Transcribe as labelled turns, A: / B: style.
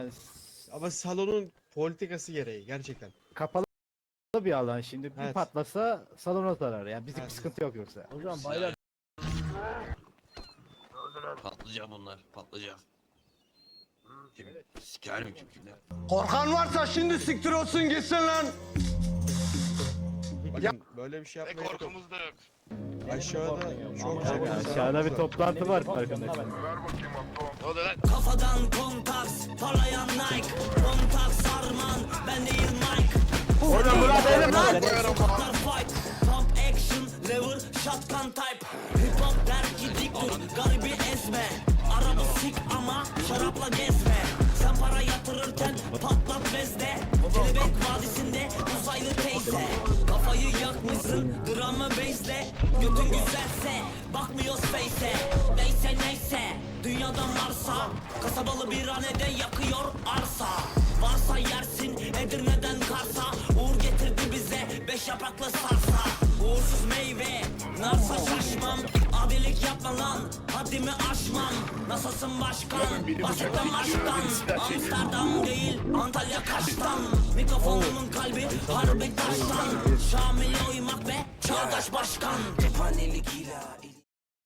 A: Ama salonun politikası gereği gerçekten.
B: Kapalı bir alan şimdi. Bir
A: Evet.
B: patlasa salona zarar. Yani bizlik bir
A: Evet.
B: sıkıntı yok yoksa.
C: Hocam baylar.
D: Patlayacak bunlar, patlayacak. Şimdi sikerim kimler.
E: Korkan varsa şimdi siktir olsun gitsin lan.
A: Bakın böyle bir şey yapmaya yok.
F: Korkumuz da yok.
A: Aşağıda çok
B: Yani aşağıda bir toplantı var farkındaysan.
F: Ne oluyor lan?
G: Kafadan kontaks, parlayan Nike. Kontaks Arman, ben değil Mike.
E: Oğlum Murat elim lan.
G: Sokaklar fight, pump action, lever, shotgun type. Hip hop der ki dik dur, garibi ezme. Araba sik ama şarapla gezme. Sen para yatırırken patlat bezde. Kelebek vadisinde uzaylı teyze. Kafayı yakmışsın dramı base'le. Götün güzelse bakmıyoruz face'e. Neyse neyse dünyadan varsa kasabalı bir hanede yakıyor arsa. Varsa yersin Edirne'den Kars'a. Uğur getirdi bize 5 yapraklı sarsa. Uğursuz meyve narsa şaşmam. Adilik yapma lan haddimi aşmam. Nasılsın başkan bahsetmem aşktan. Amsterdam değil Antalya Kaş'tan. Mikrofonumun kalbi harbi taştan. Şamil'e uymak ve çağdaş başkan. Cephanelik ila